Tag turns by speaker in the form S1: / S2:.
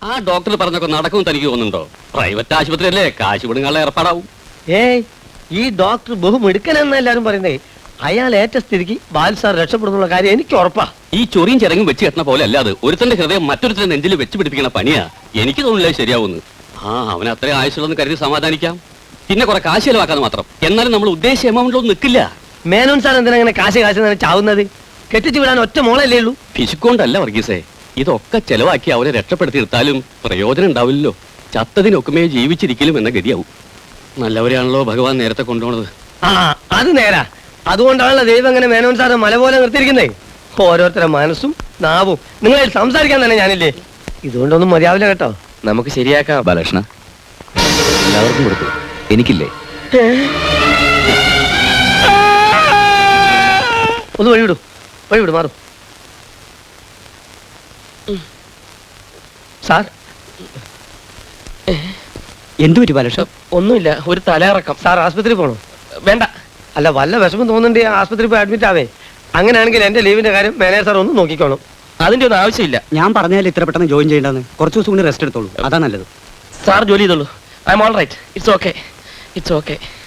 S1: ആ ഡോക്ടർ പറഞ്ഞൊക്കെ നടക്കുമെന്ന് തനിക്ക് തോന്നുന്നുണ്ടോ? പ്രൈവറ്റ് ആശുപത്രി അല്ലേ, കാശ് വിടുങ്ങാനുള്ള ഏർപ്പാടാവും.
S2: ഏയ്, ഈ ഡോക്ടർ ബഹുമിടുക്കനെന്ന് എല്ലാരും പറയുന്നേ. അയാൾ ഏറ്റ സ്ഥിതിക്ക് ബാൽസാർ രക്ഷപ്പെടുന്നുള്ള കാര്യം എനിക്ക് ഉറപ്പാ.
S1: ഈ ചൊറിയും ചിറങ്ങും വെച്ച് കെട്ടണ പോലെ അല്ലാതെ ഒരുത്തന്റെ ഹൃദയം മറ്റൊരുത്തന്റെ നെഞ്ചിൽ വെച്ച് പിടിപ്പിക്കണ പണിയാ. എനിക്ക് തോന്നില്ല ശരിയാവുന്നു. അവൻ അത്രയും ആയുസുള്ളതെന്ന് കരുതി സമാധാനിക്കാം. പിന്നെ കുറെ കാശ് ചെലവാക്കാതെ മാത്രം. എന്നാലും നമ്മൾ ഉദ്ദേശിച്ച എമൗണ്ടിലൊന്നും നിൽക്കില്ല.
S2: മേനോൻ സാർ എന്തിനാ അങ്ങനെ കാശ് ചാവുന്നത്? കെട്ടിച്ചു വിടാൻ ഒറ്റ മോളല്ലേ ഉള്ളൂ.
S1: പിശുക്കൊണ്ടല്ല വർഗീസേ, ഇതൊക്കെ ചെലവാക്കി അവരെ രക്ഷപ്പെടുത്തി എടുത്താലും പ്രയോജനം ഉണ്ടാവില്ലല്ലോ. ചത്തതിനൊക്കുമേ ജീവിച്ചിരിക്കലും എന്ന ഗതിയാവും. നല്ലവരെയാണല്ലോ ഭഗവാൻ നേരത്തെ കൊണ്ടുപോണത്.
S2: അത് നേരാ. അതുകൊണ്ടാണല്ലോ ദൈവം അങ്ങനെ മേനോൻ സാറ് മല പോലെ നിർത്തിയിരിക്കുന്നേ. ഓരോരുത്തരുടെ മനസ്സും നാവും നിങ്ങളായിട്ട് സംസാരിക്കാൻ തന്നെ ഞാനില്ലേ. ഇതുകൊണ്ടൊന്നും മതിയാവില്ല കേട്ടോ.
S3: നമുക്ക് ശരിയാക്കാം ബാലകൃഷ്ണ. എല്ലാവർക്കും കൊടുത്തു, എനിക്കില്ലേ?
S2: ഒന്ന് വഴിവിടൂ മാറും. സാർ,
S3: എന്തു പറ്റി ബാലകൃഷ്ണ?
S2: ഒന്നുമില്ല, ഒരു തലയിറക്കം. സാർ ആശുപത്രി പോണോ?
S3: വേണ്ട.
S2: അല്ല, വല്ല വിഷമം തോന്നുന്നുണ്ട് ആശുപത്രി പോയി അഡ്മിറ്റ് ആവേ. അങ്ങനെയാണെങ്കിൽ എന്റെ ലീവിന്റെ കാര്യം മാനേജർ സാർ ഒന്ന് നോക്കിക്കോളും.
S3: അതിന്റെ ഒന്നും ആവശ്യമില്ല.
S4: ഞാൻ പറഞ്ഞാൽ ഇത്ര പെട്ടെന്ന് ജോയിൻ ചെയ്യേണ്ടെന്ന്. കുറച്ച് ദിവസം കൂടി റെസ്റ്റ് എടുത്തോളൂ, അതാ നല്ലത്.
S3: സാർ ജോലി ചെയ്തോളൂ. I am all right. It's okay.